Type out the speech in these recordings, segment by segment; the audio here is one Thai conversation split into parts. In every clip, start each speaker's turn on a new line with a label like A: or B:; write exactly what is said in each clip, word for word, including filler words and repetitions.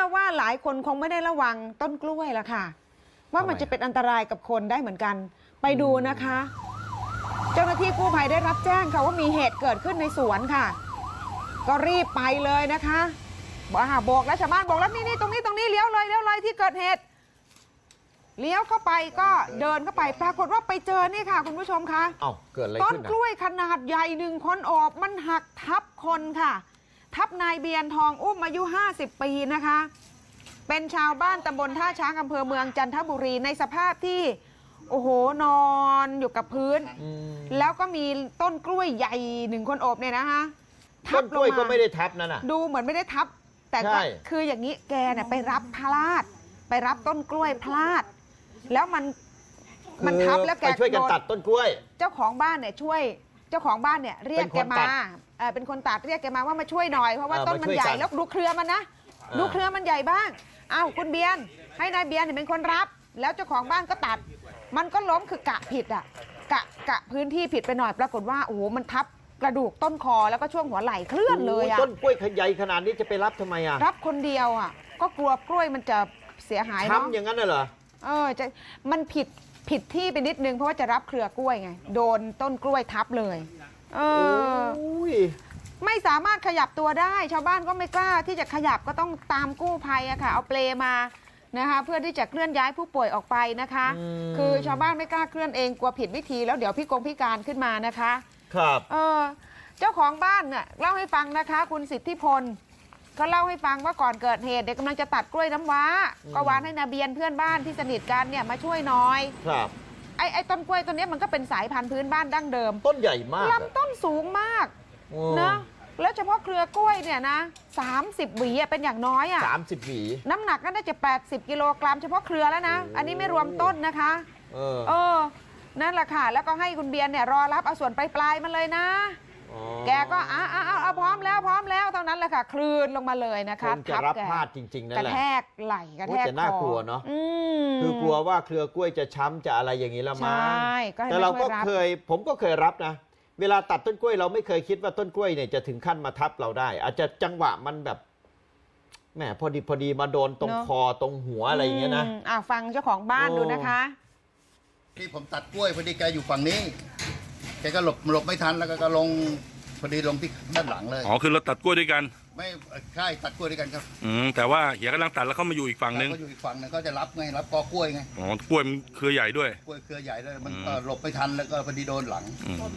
A: อว่าหลายคนคงไม่ได้ระวังต้นกล้วยละค่ะว่ามันจะเป็นอันตรายกับคนได้เหมือนกันไปดูนะคะ เจ้าหน้าที่กู้ภัยได้รับแจ้งค่ะว่ามีเหตุเกิดขึ้นในสวนค่ะก็รีบไปเลยนะคะบอกหาโบกแล้วชาวบ้านบอกแล้วนี่นี่ตรงนี้ตรงนี้เลี้ยวเลยเลี้ยวเลยที่เกิดเหตุเลี้ยวเข้าไปก็เดินเข้าไปปรากฏว่าไปเจอนี่ค่ะคุณผู้ชมคะ
B: เอ้าเกิดอะไร
A: ต้น
B: ขึ้น
A: กล้วยขนาดใหญ่หนึ่งคนโอบมันหักทับคนค่ะทับนายเบียนทองอุ้มอายุห้าสิบปีนะคะเป็นชาวบ้านตำบลท่าช้างอำเภอเมืองจันทบุรีในสภาพที่โอ้โหนอนอยู่กับพื้นแล้วก็มีต้นกล้วยใหญ่หนึ่งคนโอบเนี่ยนะคะ
B: ต้นกล้วยก็ไม่ได้ทับนั่นน่ะ
A: ดูเหมือนไม่ได้ทับแต่ก็คืออย่างนี้แกเนี่ยไปรับพลาดไปรับต้นกล้วยพลาดแล้วมันมันทับแล้วแก
B: ไปช่วยกันตัดต้นกล้วย
A: เจ้าของบ้านเนี่ยช่วยเจ้าของบ้านเนี่ยเรียกแกมาเป็นคนตัดเรียกแกมาว่ามาช่วยหน่อยเพราะว่าต้นมันใหญ่แล้วดูเครือมันนะดูเครือมันใหญ่บ้างอ้าวคุณเบียนให้นายเบียนเป็นคนรับแล้วเจ้าของบ้านก็ตัดมันก็ล้มคือกะผิดอ่ะกะกะพื้นที่ผิดไปหน่อยปรากฏว่าโอ้โหมันทับกระดูกต้นคอแล้วก็ช่วงหัวไหล่เคลื่อนเลยอ่ะ
B: ต้นกล้วยใหญ่ขนาดนี้จะไปรับทำไมอ่ะ
A: รับคนเดียวอ่ะก็กลัวกล้วยมันจะเสียหายเนาะ
B: ช้ำอย่างนั้นเหรอ
A: เออจะมันผิดผิดที่ไปนิดนึงเพราะว่าจะรับเครือกล้วยไงโดนต้นกล้วยทับเลยเออไม่สามารถขยับตัวได้ชาวบ้านก็ไม่กล้าที่จะขยับก็ต้องตามกู้ภัยอะค่ะเอาเปลมานะคะเพื่อที่จะเคลื่อนย้ายผู้ป่วยออกไปนะคะคือชาวบ้านไม่กล้าเคลื่อนเองกลัวผิดวิธีแล้วเดี๋ยวพี่กงพิการขึ้นมานะคะ
B: ครับ
A: เออเจ้าของบ้านเนี่ยเล่าให้ฟังนะคะคุณสิทธิพลก็เล่าให้ฟังว่าก่อนเกิดเหตุเด็กกำลังจะตัดกล้วยน้ำว้าก็วานให้นาเบียนเพื่อนบ้านที่สนิทกันเนี่ยมาช่วยหน่อย
B: ครับ
A: ไอ้ไอ้ต้นกล้วยต้นนี้มันก็เป็นสายพันธุ์พื้นบ้านดั้งเดิม
B: ต้นใหญ่มาก
A: ลำต้นสูงมากนะแล้วเฉพาะเครือกล้วยเนี่ยนะสามสิบหวีเป็นอย่างน้อยอ่ะ
B: สามสิบหวี
A: น้ำหนักก็น่าจะแปดสิบกิโลกรัมเฉพาะเครือแล้วนะอันนี้ไม่รวมต้นนะคะ
B: เออ
A: เออนั่นแหละค่ะแล้วก็ให้คุณเบียนเนี่ยรอรับเอาส่วนปลายๆมันเลยนะแกก็อ้าเอาเอาพร้อมแล้วพร้อมแล้วเท่านั้นแหละค่ะคลื่นลงมาเลยนะคะ
B: จะรับพลาดจริงๆนั่นแหละ
A: กระแทกไหลกระแทกคอ
B: จะน่ากลัวเนาะคือกลัวว่าเครือกล้วยจะช้ำจะอะไรอย่างนี้ละมั้งแต่เราก็เคยผมก็เคยรับนะเวลาตัดต้นกล้วยเราไม่เคยคิดว่าต้นกล้วยเนี่ยจะถึงขั้นมาทับเราได้อาจจะจังหวะมันแบบแหมพอดีพอดีมาโดนตรงคอตรงหัวอะไรอย่างเงี้ยนะ
A: อ่าฟังเจ้าของบ้านดูนะคะ
C: ที่ผมตัดกล้วยพอดีแกอยู่ฝั่งนี้แกก็หลบหลบไม่ทันแล้วก็ลงพอดีลงที่ด้านหลังเลย
D: อ๋อคือเราตัดกล้วยด้วยกัน
C: ไม่ใช่ตัดกล้วยด้วยกันครับ
D: อืมแต่ว่าเหียกำลังตัดแล้วเขามาอยู่อีกฝั่งนึง
C: เขาอยู่อีกฝั่งนึงก็จะรับไงรับกอกล้วยไง
D: อ๋อกล้วยมันเครือใหญ่ด้วย
C: กล้วยเครือใหญ่ด้วยมันก็หลบไม่ทันแล้วก็พอดีโดนหลัง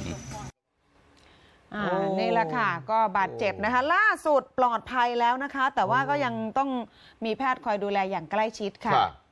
A: อ่านี่แหละค่ะก็บาดเจ็บนะคะล่าสุดปลอดภัยแล้วนะคะแต่ว่าก็ยังต้องมีแพทย์คอยดูแลอย่างใกล้ชิดค่ะ